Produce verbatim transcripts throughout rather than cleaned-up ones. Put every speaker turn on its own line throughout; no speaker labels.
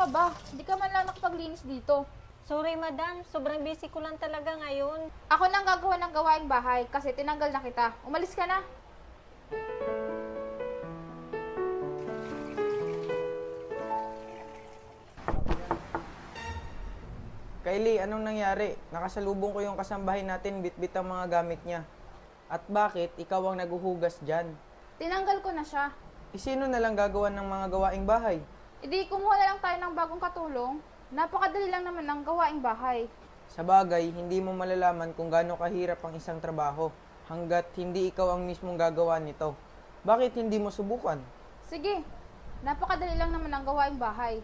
ba? Hindi ka man lang nakapaglinis dito.
Sorry madam, sobrang busy ko lang talaga ngayon.
Ako nang gagawa ng gawaing bahay kasi tinanggal na kita. Umalis ka na.
Kylie, anong nangyari? Nakasalubong ko yung kasambahay natin, bitbit ang mga gamit niya. At bakit ikaw ang naguhugas dyan?
Tinanggal ko na siya.
E sino na lang gagawa ng mga gawaing bahay?
Hindi, kumuha na lang tayo ng bagong katulong. Napakadali lang naman ng gawaing bahay.
Sa bagay, hindi mo malalaman kung gaano kahirap ang isang trabaho hanggat hindi ikaw ang mismong gagawa nito. Bakit hindi mo subukan?
Sige, napakadali lang naman ng gawaing bahay.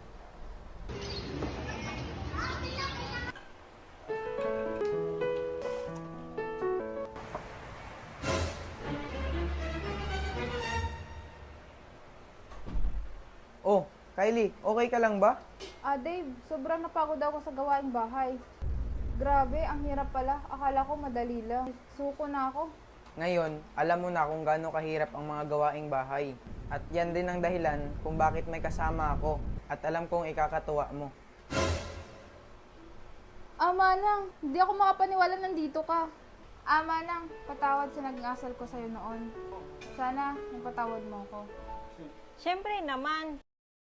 Oh, Kylie, okay ka lang ba?
Ah, Dave, sobrang napagod ako sa gawaing bahay. Grabe, ang hirap pala. Akala ko madali lang. Suko na ako.
Ngayon, alam mo na kung gaano kahirap ang mga gawaing bahay. At yan din ang dahilan kung bakit may kasama ako at alam kong ikakatuwa mo.
Ama nang, hindi ako makapaniwala nandito ka. Ama nang, patawad sa nag-ngasal ko sa'yo noon. Sana, magpatawad mo ako.
Siyempre naman.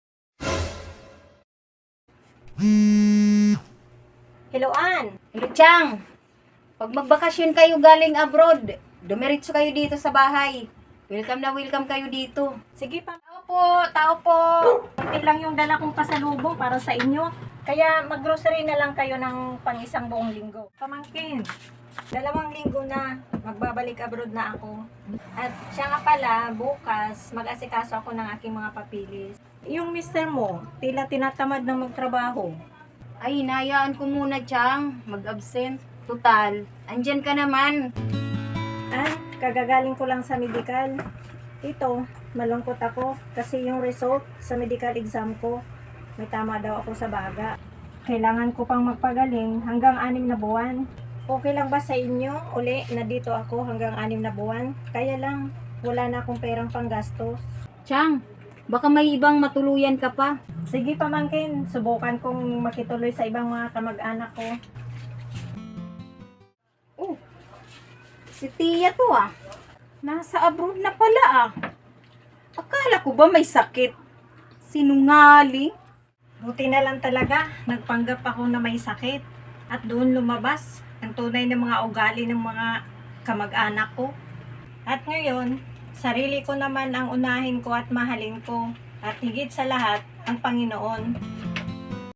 Hello, Ann. Hello, Chang. Pag magbakasyon kayo galing abroad, dumiretso kayo dito sa bahay. Welcome na welcome kayo dito.
Sige pa. Tao po, tao po. Kunti lang yung dala kong pasalubong para sa inyo. Kaya mag-grocery na lang kayo ng pang isang buong linggo. Pamangkin, dalawang linggo na magbabalik abroad na ako. At siya nga pala, bukas mag-asikaso ako ng aking mga papilis. Yung mister mo, tila tinatamad ng magtrabaho.
Ay, hinayaan ko muna, Chang. Mag-absent. Total, andyan ka naman.
Ah, kagagaling ko lang sa medical. Ito, malungkot ako kasi yung result sa medical exam ko, may tama daw ako sa baga. Kailangan ko pang magpagaling hanggang anim na buwan. Okay lang ba sa inyo? Uli, na dito ako hanggang anim na buwan. Kaya lang, wala na akong perang panggastos.
Chang, baka may ibang matuluyan ka pa.
Sige pamangkin, subukan kong makituloy sa ibang mga kamag-anak ko.
Oh, si Tia to ah. Nasa abroad na pala ah. Akala ko ba may sakit? Sinungaling?
Buti na lang talaga, nagpanggap ako na may sakit. At doon lumabas ang tunay na mga ugali ng mga kamag-anak ko. At ngayon, sarili ko naman ang unahin ko at mahalin ko. At higit sa lahat, ang Panginoon.